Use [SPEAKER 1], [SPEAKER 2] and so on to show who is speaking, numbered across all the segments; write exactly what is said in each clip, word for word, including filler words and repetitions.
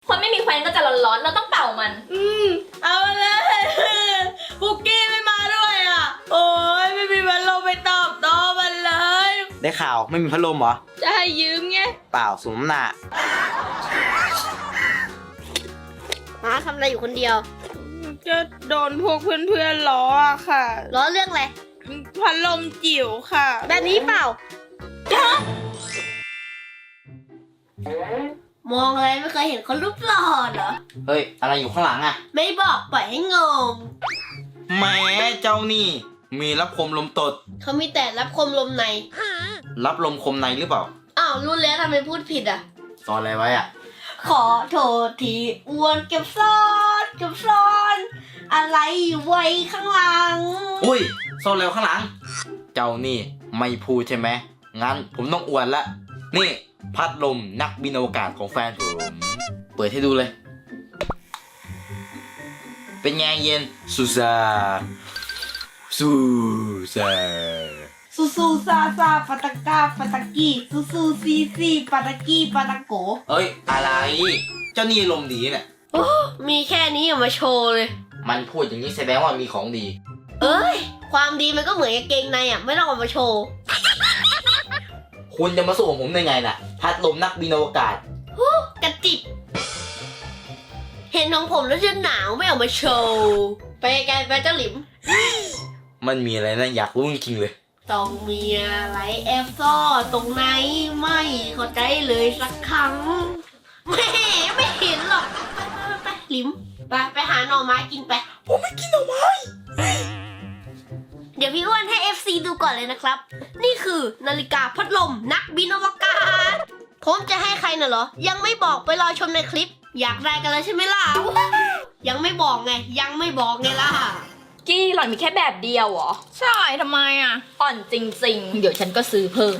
[SPEAKER 1] คนไม่มีแควนก็จะร้อนๆเราต้องเป่ามัน
[SPEAKER 2] อืมเอาเลยปุกกี้ไม่มาด้วยอ่ะโอ้ยไม่มีพัดลมไปตอบโต้มันเลย
[SPEAKER 3] ได้ข่าวไม่มีพัดลมเหรอ
[SPEAKER 2] จะให้ยืมไง
[SPEAKER 3] เปล่าสมน้ำหน้า
[SPEAKER 4] มาทำอะไรอยู่คนเดียว
[SPEAKER 2] จะโดนพวกเพื่อนๆล้ออะค่ะ
[SPEAKER 4] ล้อเรื่องอะไร
[SPEAKER 2] พัดลมจิ๋วค่ะ
[SPEAKER 4] แบบนี้เปล่า มองอะไรไม่เคยเห็นคนรูปหล่อเหรอ
[SPEAKER 3] เฮ้ยอะไรอยู่ข้างหลังอะ
[SPEAKER 4] ไม่บอกปล่อยให้งง
[SPEAKER 3] แหมเจ้านี่มีรับคมลมตด
[SPEAKER 4] เขามีแต่รับคมลมใน
[SPEAKER 3] รับลมคมในหรือเปล่า
[SPEAKER 4] อ้าวรู้แล้วทำไมพูดผิดอ่ะ
[SPEAKER 3] สอนอะไรไว้อะ
[SPEAKER 4] ขอโทษทีอ้วนเก็บซ่อนเก็บซ่อนอะไรไว้ข้างหลัง
[SPEAKER 3] อุ้ยซ่อนแล้วข้างหลังเจ้านี่ไม่พูดใช่ไหมงั้นผมต้องอวดละนี่พัดลมนักบินอวกาศของแฟนผมเปิดให้ดูเลยเป็นไงเย็นซูซาซูซา
[SPEAKER 2] ซูซูซาซาปาตากาปาตากีซูซูซีซีปาตากีปาตาโก
[SPEAKER 3] เอ้ยอะไรเจ้านี่ลมณ์ดีเนี่ย
[SPEAKER 4] โอ้มีแค่นี้อย่ามาโชว์เลย
[SPEAKER 3] มันพูดอย่างนี้แสดงว่ามีของดี
[SPEAKER 4] เอ้ยความดีมันก็เหมือนกางเกงในอ่ะไม่ต้องเอามาโชว์
[SPEAKER 3] คุณจะมาสู้กับผมได้ไงน่ะพัดลมนักบินอวกาศ
[SPEAKER 4] กระจิบเห็นของผมแล้วจะหนาวไม่เอามาโชว์ไปไกลไปเจ้าหลิม
[SPEAKER 3] มันมีอะไรนะอยากรู้จริงๆเลย
[SPEAKER 4] ต้องมีอะไรแอบซ่อนตรงไหนไม่เข้าใจเลยสักครั้งไม่ไม่เห็นหรอกไปไปไปหลิมไปไปหาหน่อไม้กินไป
[SPEAKER 3] ผมไม่กินหน่อไม้
[SPEAKER 4] เดี๋ยวพี่อ้วนให้ เอฟ ซี ดูก่อนเลยนะครับนี่คือนาฬิกาพัดลมนักบินอวกาศผมจะให้ใครน่ะเหรอยังไม่บอกไปรอชมในคลิปอยากได้กันเลยใช่ไหมล่ะยังไม่บอกไงยังไม่บอกไงล่ะ
[SPEAKER 1] กี้หล่อนมีแค่แบบเดียวเหรอ
[SPEAKER 2] ใช่ทำไมอ่ะ
[SPEAKER 1] อ่อนจริงๆเดี๋ยวฉันก็ซื้อเพิ่ม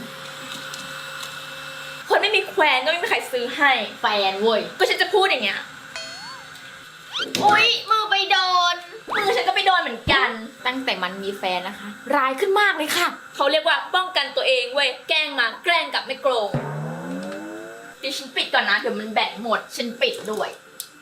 [SPEAKER 1] คนไม่มีแควนก็ไม่มีใครซื้อให้แฟนเว้ยก็ฉันจะพูดอย่างเงี้ยอุ๊ยมือไปโดนมือฉันก็ไปโดนเหมือนกันตั้งแต่มันมีแฟนนะคะร้ายขึ้นมากเลยค่ะเขาเรียกว่าป้องกันตัวเองเว้ยแกล้งมาแกล้งกลับไม่โกงเดี๋ยวฉันปิดก่อนนะเดี๋ยวมันแบตหมดฉันปิดด้วย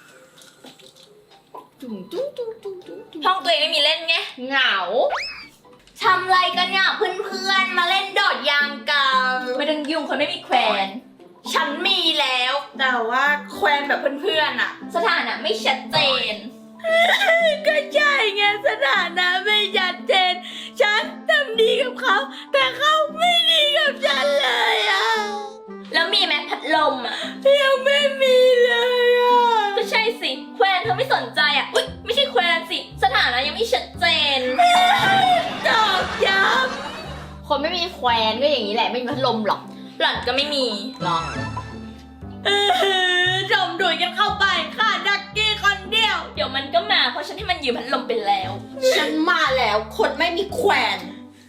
[SPEAKER 1] ห้องตัวเองไม่มีเล่นไงเหงาทำอะไรกันเนี่ยเพื่อนๆมาเล่นโดดยางกันไม่ต้องยุ่งคนไม่มีแควนฉันมีแล้วแต่ว่าแควนแบบเพื่อนๆอะสถานะไม่ชัดเจน
[SPEAKER 2] ก็ใช่ไงสถานะไม่ชัดเจนฉันทำดีกับเขาแต่เขาไม่ดีกับฉันเลยอ่ะ
[SPEAKER 1] แล้วมีไหมพัดลมอ่ะ
[SPEAKER 2] ยังไม่มีเลยอ่ะ
[SPEAKER 1] ก็ใช่สิแควนเธอไม่สนใจอ่ะอุ๊ยไม่ใช่แควนสิสถานะยังไม่ชัดเจน
[SPEAKER 2] ตอกย้
[SPEAKER 1] ำคนไม่มีแควนก็อย่างนี้แหละไม่มีพัดลมหรอกหล่อนก็ไม่มีหรอก
[SPEAKER 2] เออจมดุยกันเข้าไปค่ะดักกี้คนเดียว
[SPEAKER 1] เดี๋ยวมันก็มาเพราะฉันให้มันยืมพัดลมไปแล้ว
[SPEAKER 4] ฉันมาแล้วคนไม่มีแควน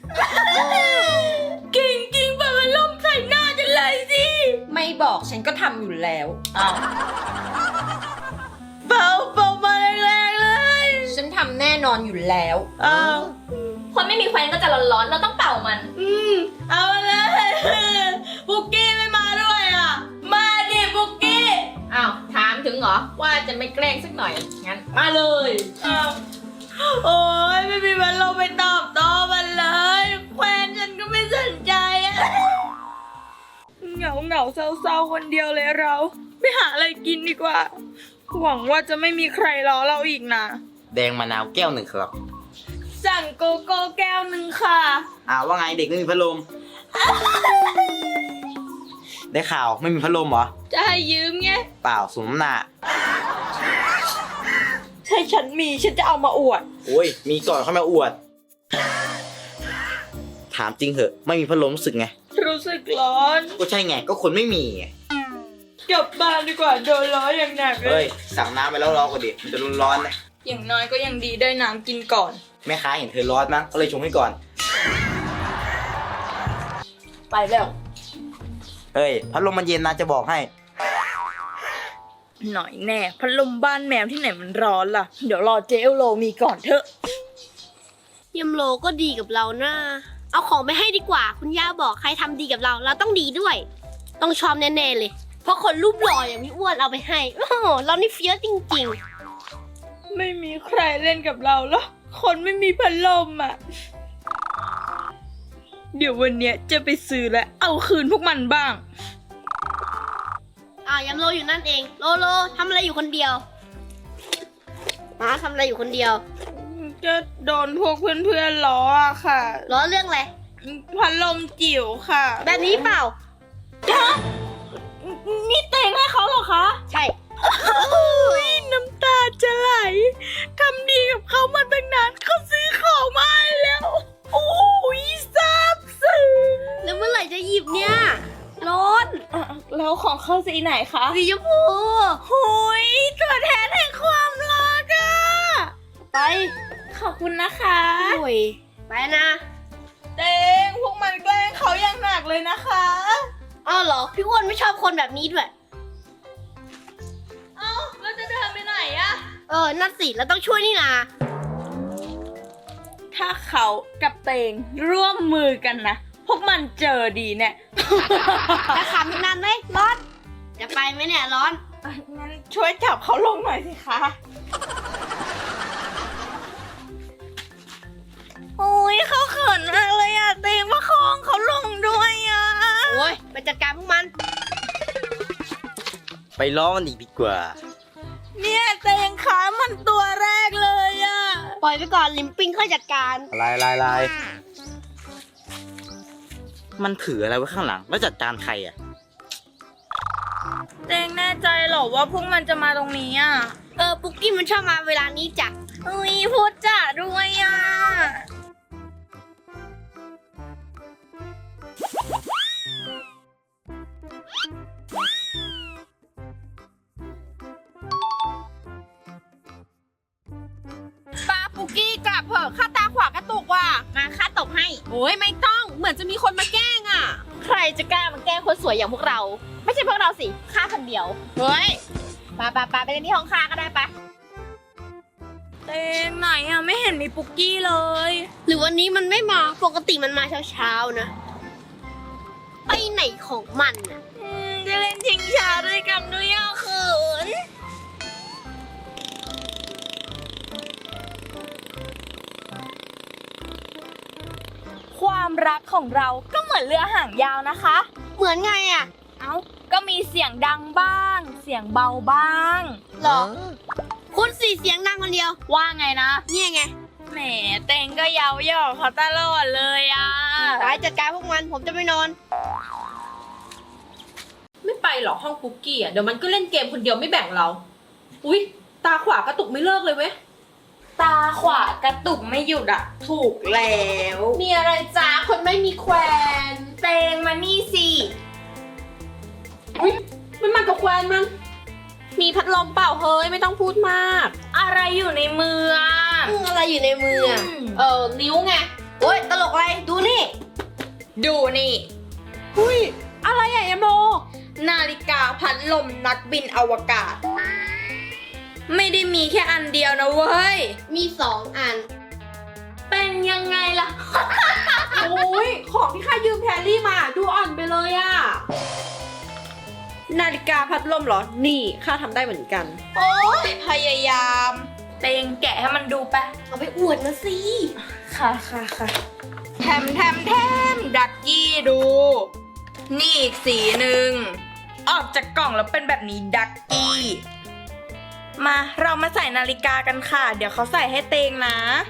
[SPEAKER 2] กิ่งกิ่งแบบมันล่มใส่หน้าฉันเลยสิ
[SPEAKER 1] ไม่บอกฉันก็ทำอยู่แล้วอ้าว
[SPEAKER 2] เป่าเป่ามาแรงๆเลย
[SPEAKER 1] ฉันทำแน่นอนอยู่แล้ว
[SPEAKER 2] อ้าว
[SPEAKER 1] คนไม่มีแควนก็จะร้อนๆเราต้องเป่ามัน
[SPEAKER 2] อืมเอาเลยปุกกี้ไม่มาด้วยอ่ะมาดิปุกกี้
[SPEAKER 1] อ้าวถามถึงเหรอว่าจะไม่แกล้งสักหน่อยงั้นมาเลย
[SPEAKER 2] อ้าวโอ้ยไม่มีวันลงไปตอบโต้มันเลยแควนฉันก็ไม่สนใจอะเหงาเหงาเศร้าๆคนเดียวเลยเราไปหาอะไรกินดีกว่าหวังว่าจะไม่มีใครล้อเราอีกนะ
[SPEAKER 3] แดงมะนาวแก้วหนึ่งครับ
[SPEAKER 2] สั่งโกโก้แก้วหนึ่งค่ะ
[SPEAKER 3] อ้าวว่าไงเด็กไม่มีพัดลมได้ข่าวไม่มีพัดลมเหรอ
[SPEAKER 2] จะให้ยืมไง
[SPEAKER 3] เปล่าสมน้ำหน้า
[SPEAKER 2] ถ้าฉันมีฉันจะเอามาอวด
[SPEAKER 3] โอ้ยมีก่อนเข้ามาอวดถามจริงเหอะไม่มีพัดลมรู้สึกไง
[SPEAKER 2] รู้สึกร้อน
[SPEAKER 3] ก็ใช่ไงก็คนไม่มีไง
[SPEAKER 2] กลับบ้านดีกว่าโดนล้ออย่างหนักเลย
[SPEAKER 3] เฮ้ยสั่งน้ำไปแล้วรอก่อนดิมันจะร้อนๆนะ
[SPEAKER 2] อย่างน้อยก็ยังดีได้น้ำกินก่อน
[SPEAKER 3] แม่ค้าเห็นเธอร้อนมั้งก็เลยชงให้ก่อน
[SPEAKER 1] ไปแล้ว
[SPEAKER 3] เฮ้ยพัดลมมันเย็นนะจะบอกให้
[SPEAKER 2] หน่อยแน่พัดลมบ้านแมวที่ไหนมันร้อนล่ะเดี๋ยวรอเจลโลมีก่อนเถอะ
[SPEAKER 4] ยมโลก็ดีกับเรานะเอาของไปให้ดีกว่าคุณย่าบอกใครทำดีกับเราเราต้องดีด้วยต้องชอบแน่ๆเลยเพราะคนรูปหล่ออย่างพี่อ้วนเอาไปให้ โอ้โหเรานี่เฟี้ยวจริง
[SPEAKER 2] ไม่มีใครเล่นกับเราหรอกคนไม่มีพัดลมอ่ะ เดี๋ยววันเนี้ยจะไปซื้อและเอาคืนพวกมันบ้าง
[SPEAKER 4] ๆ อ่ายำโลอยู่นั่นเอง โลโลทำอะไรอยู่คนเดียวมาทำอะไรอยู่คนเดียว
[SPEAKER 2] จะโดนพวกเพื่อนๆล้ออะค่ะ
[SPEAKER 4] ล้อเรื่องอะไร
[SPEAKER 2] พัดลมจิ๋วค่ะ
[SPEAKER 4] แบบนี้เปล่า
[SPEAKER 2] นี่เตงให้เขาเหรอคะ
[SPEAKER 4] ใช่
[SPEAKER 2] น้ำตาจะไหลทำดีกับเขามาตั้งนานเขาซื้อของมาให้แล้ว โอ้ยซาบซึ้ง
[SPEAKER 4] แล้วเมื่อไหร่จะหยิบเนี่ย ร้อน
[SPEAKER 2] อ่ะแล้วของเขาสีไหนคะ
[SPEAKER 4] สีชมพู
[SPEAKER 2] หุยตัวแทนแห่งความรักอะ
[SPEAKER 4] ไป
[SPEAKER 2] ขอบคุณนะคะ
[SPEAKER 4] โอ้ยไปนะ
[SPEAKER 2] เตงพวกมันแกล้งเขาอย่างหนักเลยนะคะ
[SPEAKER 4] อ้าวเหรอ พี่อ้วนไม่ชอบคนแบบนี้ด้วย
[SPEAKER 2] เอ้าแล้วจะเดินไปไหนอะ
[SPEAKER 4] เออ นั่นสิ แล้วต้องช่วยนี่นา
[SPEAKER 2] ถ้าเขากับเตงร่วมมือกันนะ พวกมันเจอดีเนี่ย
[SPEAKER 4] จะขำอีกนานไหมร้อน จะไปไหมเนี่ยร้อน
[SPEAKER 2] อ่ะงั้นช่วยจับเขาลงหน่อยสิคะ โอ้ยเขาเขินมากเลยอะเตงมาคองเขาลงด้วยอะ
[SPEAKER 4] โอ้ยไปจัดการพวกมัน
[SPEAKER 3] ไปล้อมันอีกดีกว่า
[SPEAKER 2] เนี่ยเตงขามันตัวแรกเลยอะ
[SPEAKER 4] ปล่อยไปก่อนลิมปิงค่อยจัดการ
[SPEAKER 3] ลายลายลายมันถืออะไรไว้ข้างหลัง แล้วจัดการใครอ่ะ
[SPEAKER 2] เตงแน่ใจเหรอว่าพวกมันจะมาตรงนี้อะ
[SPEAKER 4] เออ ปุ๊กกี้มันชอบมาเวลานี้จ้ะ
[SPEAKER 2] อุ้ยพูดจ่าด้วยอะปาปุกกี้กลับเถอะข้าตาขวากระตุกว่ะมาข้าตบให้
[SPEAKER 1] โอ้ยไม่ต้อง เหมือนจะมีคนมาแกล้งอ่ะ ใครจะกล้ามาแกล้งคนสวยอย่างพวกเรา ไม่ใช่พวกเราสิข้าคนเดียว เฮ้ยปาปาปาไปเล่นที่ห้องข้าก็ได้ปะ
[SPEAKER 2] เตงไหนอะไม่เห็นมีปุกกี้เลย
[SPEAKER 4] หรือวันนี้มันไม่มา ปกติมันมาเช้าๆนะ ไปไหนของมันน่ะ
[SPEAKER 2] อืมจะเล่นชิงช้าด้วยกันด้วยอ่ะเขินความรักของเราก็เหมือนเรือหางยาวนะคะ
[SPEAKER 4] เหมือนไงอ่ะ
[SPEAKER 2] เอ้า ก็มีเสียงดังบ้าง เสียงเบาบ้าง
[SPEAKER 4] หรอ คุณสี่เสียงดังคนเดียว
[SPEAKER 2] ว่าไงนะ
[SPEAKER 4] เนี่ยไง
[SPEAKER 2] แหมเตงก็เย้าหยอกเขาตลอดเลยอ่ะ
[SPEAKER 4] ไปจัดการพวกมัน ผมจะไปนอน
[SPEAKER 1] ไม่ไปหรอกห้องปุกกี้อ่ะ เดี๋ยวมันก็เล่นเกมคนเดียวไม่แบ่งเรา อุ๊ย ตาขวากระตุกไม่เลิกเลยเว้ย
[SPEAKER 2] ตาขวากระตุกไม่หยุดอ่ะ ถูกแล้ว
[SPEAKER 1] มีอะไรจ้าคนไม่มีแควน
[SPEAKER 2] เตงมานี่สิ
[SPEAKER 1] อุ๊ยมันมากับแควนมัน มีพัดลมเปล่าเฮ้ยไม่ต้องพูดมาก
[SPEAKER 2] อะไรอยู่ในมืออ่ะ
[SPEAKER 4] อืมอะไรอยู่ในมืออ่ะ
[SPEAKER 1] เออนิ้วไง
[SPEAKER 4] โอ๊ย ตลกอะไร ดูนี่
[SPEAKER 2] ดูนี่
[SPEAKER 1] หุ้ย อะไรอ่ะยาโม
[SPEAKER 2] นาฬิกาพัดลมนักบินอวกาศ ไม่ได้มีแค่อันเดียวนะเว้ย
[SPEAKER 4] มีสองอัน
[SPEAKER 2] เป็นยังไงล่ะ
[SPEAKER 1] โอ้ย ของที่ข้ายืมแพรรี่มา ดูอ่อนไปเลยอ่ะ นาฬิกาพัดลมเหรอ นี่ข้าทำได้เหมือนกัน
[SPEAKER 2] โอ้ยพยายาม เตงแกะให้มันดูไป
[SPEAKER 4] เอาไปอวดมาสิ
[SPEAKER 2] ค่ะค่ะค่ะแถมแถมแถมดักกี้ดู นี่อีกสีหนึ่ง ออกจากกล่องแล้วเป็นแบบนี้ดักกี้ มาเรามาใส่นาฬิกากันค่ะ เดี๋ยวเขาใส่ให้เตงนะ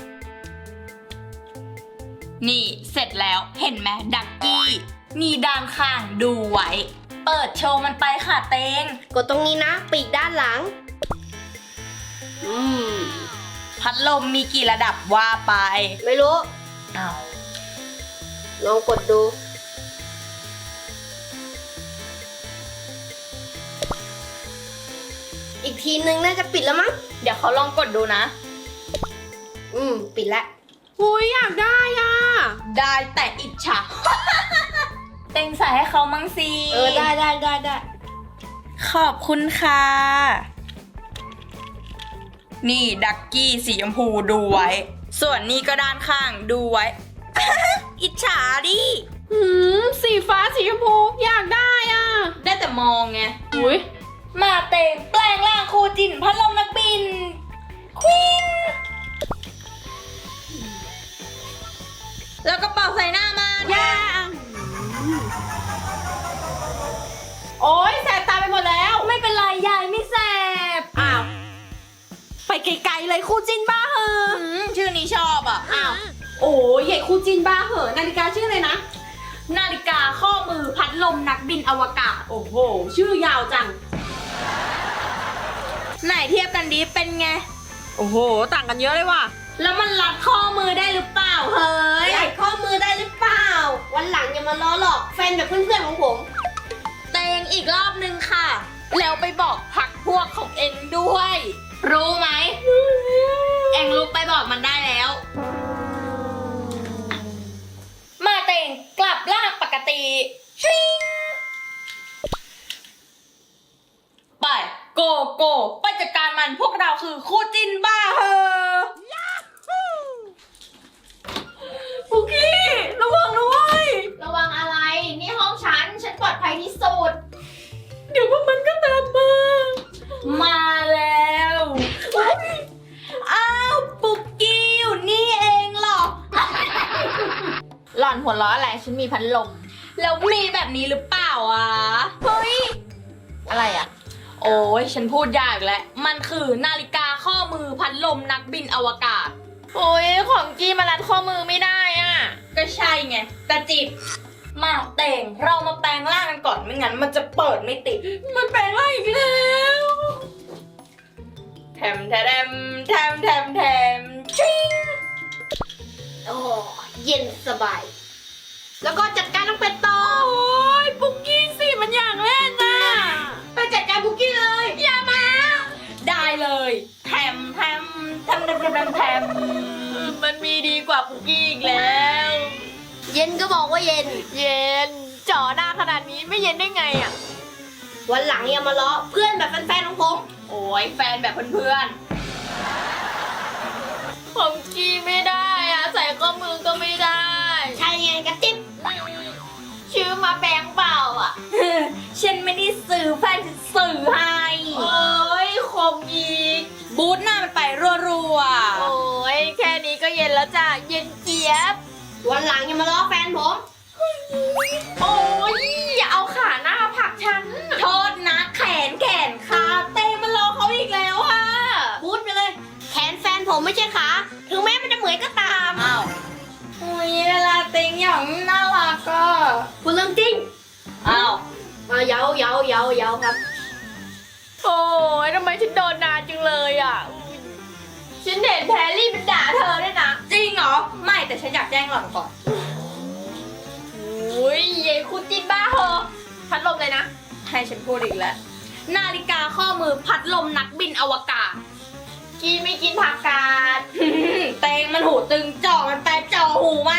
[SPEAKER 2] นี่เสร็จแล้วเห็นไหมดักกี้ นี่ด้านข้างดูไว้ เปิดโชว์มันไปค่ะเตง
[SPEAKER 4] กดตรงนี้นะ ปีกด้านหลัง อืม
[SPEAKER 2] พัดลมมีกี่ระดับว่าไป
[SPEAKER 4] ไม่รู้
[SPEAKER 2] อ้าว
[SPEAKER 4] ลองกดดู อีกทีนึงน่าจะปิดแล้วมั้ง
[SPEAKER 2] เดี๋ยวเขาลองกดดูนะ
[SPEAKER 4] อืม ปิดแล้ว
[SPEAKER 1] อุ้ยอยากได้อ่ะ
[SPEAKER 2] ได้แต่อิจฉา เต็งใส่ให้เขามั่งสิ
[SPEAKER 4] เออ ได้ได้ได้ได้
[SPEAKER 2] ขอบคุณค่ะ นี่ดักกี้สีชมพูดูไว้ ส่วนนี้ก็ด้านข้างดูไว้ อิจฉาดิหืมสีฟ้าสีชมพูอยากได้อ่ะ
[SPEAKER 1] ได้แต่มองไง
[SPEAKER 2] อุ้ย
[SPEAKER 1] มาเต็งแปลงร่างคู่จินพัดลมนักบิน ควีน แล้วก็เป่าใส่หน้ามัน
[SPEAKER 2] ย่าโอ๊ยแสบตาไปหมดแล้ว
[SPEAKER 1] ไม่เป็นไรยายไม่แสบ
[SPEAKER 2] อ้าว ไปไกลๆเลยคู่จินบ้าเหอะ
[SPEAKER 1] อืมชื่อนี้ชอบอ่ะ
[SPEAKER 2] อ้าว โอ้ยใหญ่คู่จินบ้าเหอะนาฬิกาชื่ออะไรนะ
[SPEAKER 1] นาฬิกาข้อมือพัดลมนักบินอวกาศ
[SPEAKER 2] โอ้โห ชื่อยาวจัง
[SPEAKER 1] ไหนเทียบกันดีเป็นไง
[SPEAKER 2] โอ้โห ต่างกันเยอะเลยว่ะ
[SPEAKER 1] แล้วมันรัดข้อมือได้หรือเปล่าเฮ้ย
[SPEAKER 4] ใหญ่ข้อมือได้หรือเปล่า วันหลังอย่ามาล้อหลอกแฟนแบบเพื่อนๆของผม
[SPEAKER 1] เตงอีกรอบนึงค่ะ แล้วไปบอกพักพวกของเองด้วย รู้ไหม เองลุกไปบอกมันได้แล้ว มาเตงกลับร่างปกติชิงไปโกโกไปจัดการมันพวกเราคือคู่จินบ้าเหอะ
[SPEAKER 2] ปุกกี้ ระวังนะเว้ย
[SPEAKER 1] ระวังอะไร นี่ห้องฉัน ฉันปลอดภัยที่สุด
[SPEAKER 2] เดี๋ยวพวกมันก็ตามมา
[SPEAKER 1] มาแล้วอ้าวปุกกี้อยู่นี่เองเหรอ หล่อนหัวเราะอะไร ฉันมีพัดลม แล้วมีแบบนี้หรือเปล่าอ่ะ เฮ้ย อะไรอ่ะ โอ้ยฉันพูดยากแล้ว มันคือนาฬิกาข้อมือพัดลมนักบินอวกาศ โอ้ยของกี้มารัดข้อมือไม่ได้อ่ะ ก็ใช่ไง แต่จิต มาแต่งเรามาแปลงร่างกันก่อนไม่งั้นมันจะเปิดไม่ติด
[SPEAKER 2] มันแปลงร่างอีกแล้ว
[SPEAKER 1] แถมแถมแถมแถมแถมชิง
[SPEAKER 4] โอ้เย็นสบาย แล้วก็จัดการน้องเป็ดต่อ
[SPEAKER 2] โอ้ยปุกกี้สิมันอยากเล่นน่ะ
[SPEAKER 1] ไปจัดการบุกกี้เลย อย่ามา ได้เลยแถมแถมแถมแถมแถมแถม
[SPEAKER 2] มันมีดีกว่าปุกกี้อีกแล้ว
[SPEAKER 4] เย็นก็บอกว่าเย็น
[SPEAKER 2] เย็นจ่อหน้าขนาดนี้ไม่เย็นได้ไงอ่ะ
[SPEAKER 4] วันหลังอย่ามาล้อเพื่อนแบบแฟนๆของผม
[SPEAKER 1] โอ้ยแฟนแบบเพื่อน
[SPEAKER 2] ของกี้ไม่ได้อ่ะ ใส่ข้อมือก็ไม่ได้
[SPEAKER 4] ใช่ไงกระติ๊บ
[SPEAKER 2] ชื่อมาแบงค์เปล่าอ่ะ
[SPEAKER 1] ๆฉันไม่ได้สื่อแฟนฉันสื่อให้
[SPEAKER 2] โอ้ยคมอีก
[SPEAKER 1] บูทหน้ามันไปรัว
[SPEAKER 2] โอ้ยแค่นี้ก็เย็นแล้วจ้ะ เย็นเจี๊ยบ
[SPEAKER 4] วันหลังอย่ามาล้อแฟนผม
[SPEAKER 2] โอ้ยอย่าเอาขาหน้าผลักฉัน
[SPEAKER 1] ๆโทษนะแขนแขนขาเต้มันรอเขาอีกแล้วอ่ะ
[SPEAKER 4] บูทไปเลย แขนแฟนผมไม่ใช่ขา ถึงแม้มันจะเหมือนก็ตาม
[SPEAKER 1] อ้าวอุ้ยเวลาเต็งอย่างน่ารักก็
[SPEAKER 4] คุณเรื่องจริง
[SPEAKER 1] อ้าว
[SPEAKER 4] มาเย้าเย้าเย้าเย้าครับ
[SPEAKER 2] โอ้ยทำไมฉันโดนนานจังเลยอ่ะอุ๊ยฉันเห็นแพรรี่มันด่าเธอด้วยนะ
[SPEAKER 1] จริงเหรอ ไม่แต่ฉันอยากแจ้งหล่อนก่อน
[SPEAKER 2] โอ้ยเยคุณจินบ้าเหอะพัดลมเลยนะ
[SPEAKER 1] ให้ฉันพูดอีกแล้ว นาฬิกาข้อมือพัดลมนักบินอวกาศ
[SPEAKER 2] กีไม่กินผักกาด
[SPEAKER 1] เตงมันหูตึงจ่อมันไปจ่อหูมัน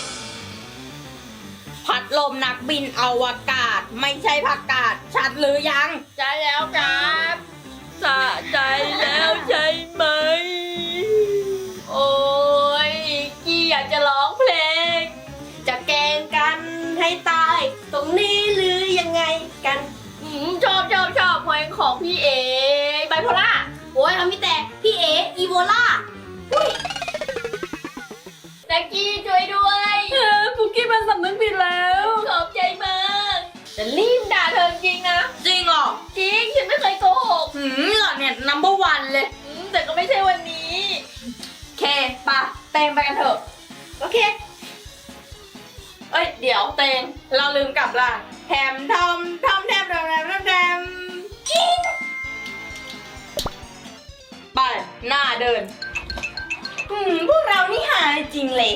[SPEAKER 1] พัดลมนักบินอวกาศ ไม่ใช่ผักกาดชัดหรือยัง
[SPEAKER 2] ใช่แล้วครับสะใจแล้วใช่ไหม โอ้ยกีอยากจะร้องเพลง
[SPEAKER 4] จะแกล้งกันให้ตาย ตรงนี้หรือยังไงกัน
[SPEAKER 2] อืมชอบชอบชอบเพลงของพี่เอไบโพล่า
[SPEAKER 4] โอ้ยเขามีแต่พี่เออีโวล่า
[SPEAKER 2] แจ็กกี้ช่วยด้วยเออปุกกี้มันสำนึกผิดแล้วขอบใจมากจะรีบด่าเธอจริงนะ
[SPEAKER 1] จริงเหรอ
[SPEAKER 2] จริงฉันไม่เคยโกหก
[SPEAKER 1] หืมหล่อนเนี่ย number one เลย
[SPEAKER 2] อืมแต่ก็ไม่ใช่วันนี้
[SPEAKER 1] เคปะเตงไปกันเถอะ
[SPEAKER 4] โอเค
[SPEAKER 1] เอ้ย เดี๋ยวเตง เราลืมกลับล่ะแถมทอมทอมแถมแถมแถมแถมแถมกิ้งไป หน้าเดิน หืม พวกเรานี่หาจริงเลย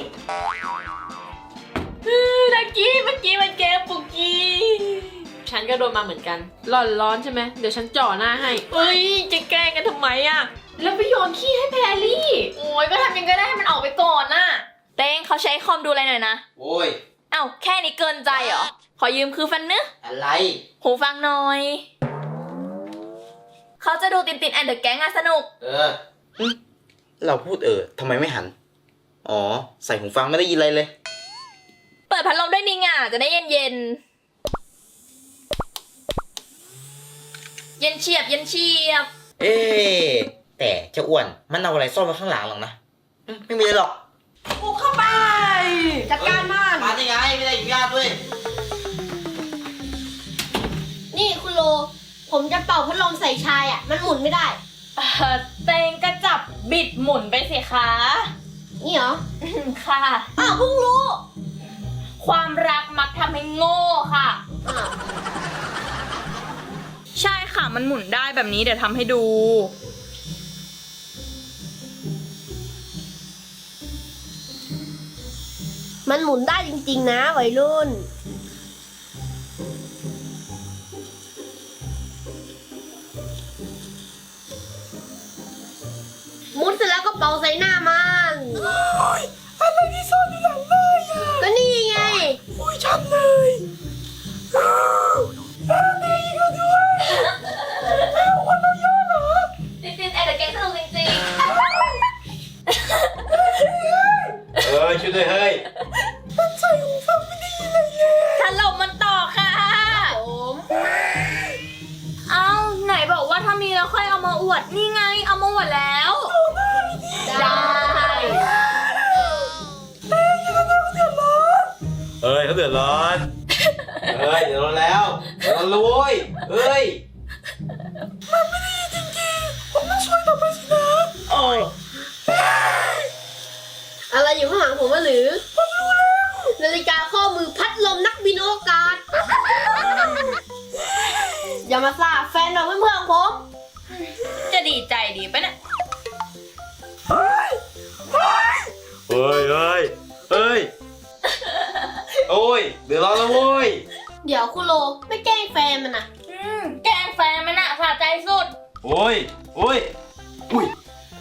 [SPEAKER 2] เออแจ็กกี้เมื่อกี้มันแกล้งปุกกี้ฉันก็โดนมาเหมือนกันร้อนร้อนใช่ไหมเดี๋ยวฉันจ่อหน้าให้เอ้ยจะแกล้งกันทำไมอะแล้วไปโยนขี้ให้แพรรี่
[SPEAKER 1] โอ้ยก็ทำยังไงก็ได้ให้มันออกไปก่อนน่ะ เตงเขาใช้คอมดูอะไรหน่อยนะ
[SPEAKER 3] โอ้ย
[SPEAKER 1] เอ้าแค่นี้เกินใจเหรอ ขอยืมคือฟันเนื้อ
[SPEAKER 3] อะไร
[SPEAKER 1] หูฟังหน่อย เขาจะดูตินตินแอนเดอะแก๊งอะสนุก
[SPEAKER 3] เอออืมเราพูดเออทำไมไม่หัน อ๋อ ใส่หูฟังไม่ได้ยินอะไรเลย
[SPEAKER 1] เปิปิดพัดลมด้วยนี่ไงจะได้เย็นเย็นเย็นเฉียบเย็นเฉียบ
[SPEAKER 3] เอ๊ะแต่เจ้าอ้วนมันเอาอะไรซ่อนไว้ข้างหลังหรอกนะอืมไม่มีเลยหรอก
[SPEAKER 2] บุกเข้าไป
[SPEAKER 4] จัดการมัน
[SPEAKER 3] มาได้ไงไม่ได้อนุญาตด้วย
[SPEAKER 4] นี่คุณโล ผมจะเป่าพัดลมใส่ชายอ่ะ มันหมุนไม่ได้
[SPEAKER 1] เอ่อเตงก็จับบิดหมุนไปสิคะ
[SPEAKER 4] นี่เหรอ
[SPEAKER 1] อืมค่ะ
[SPEAKER 4] อ้าวเพิ่งรู้
[SPEAKER 1] ความรักมักทำให้โง่ค่ะ
[SPEAKER 4] อ้าว
[SPEAKER 2] ใช่ค่ะมันหมุนได้แบบนี้เดี๋ยวทำให้ดู
[SPEAKER 4] มันหมุนได้จริงๆนะวัยรุ่น หมุนเสร็จแล้วก็เป่าใส่หน้ามันอะไรที่ซ่อนอยู่หลังเลยอ่ะ ก็นี่ไง
[SPEAKER 2] อุ้ยชันเลยนี่ก็ด้วยวันเราย่อเหรอ
[SPEAKER 1] จริงๆแอบแต่แกสนุกจริง
[SPEAKER 3] เออช่วยด้วยเฮ้ย
[SPEAKER 1] ๆถล่มมันต่อค่ะ
[SPEAKER 4] ผม
[SPEAKER 1] เอ้าไหนบอกว่าถ้ามีแล้วค่อยเอามาอวด นี่ไงเอามาอวดแล้ว ได้
[SPEAKER 3] เฮ้ยเขาเดือดร้อน เฮ้ยเดือดร้อนแล้วเดือดร้อนแล้วโว้ยเฮ้ย
[SPEAKER 2] โอ้
[SPEAKER 4] อะไรอยู่ข้างหลังผมวะหรือ ผมรู้แล้ว นาฬิกาข้อมือพัดลมนักบินอวกาศ อย่ามาซ่าแฟนเราเพื่อนๆของผม
[SPEAKER 1] จะดีใจดีปะเนี่ย
[SPEAKER 3] เฮ้ยเฮ้ยเฮ้ยโอ้ยเดือดร้อนแล้วโว้ย
[SPEAKER 4] เดี๋ยวคุณโลไม่แกล้งแฟนมันนะ
[SPEAKER 1] อืมแกล้งแฟนมันอะสะใจสุด
[SPEAKER 3] โอ้ยโอ้ยอุ้ย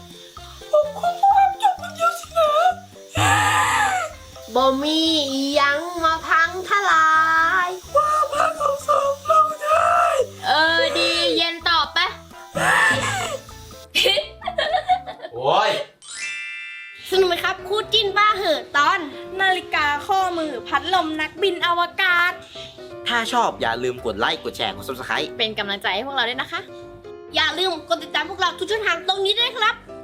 [SPEAKER 4] บอมีอีหยังมาพังทลาย
[SPEAKER 1] เออดีเย็นตอบปะ
[SPEAKER 3] โอ้ย
[SPEAKER 4] สนุกไหมครับคู่จิ้นบ้าเหอะตอน
[SPEAKER 2] นาฬิกาข้อมือพัดลมนักบินอวกาศ
[SPEAKER 3] ถ้าชอบอย่าลืมกดไลค์กดแชร์กด ซับสไครบ์
[SPEAKER 1] เป็นกำลังใจให้พวกเราด้วยนะคะ
[SPEAKER 4] อย่าลืมกดติดตามพวกเราทุกช่องทางตรงนี้ด้วยครับ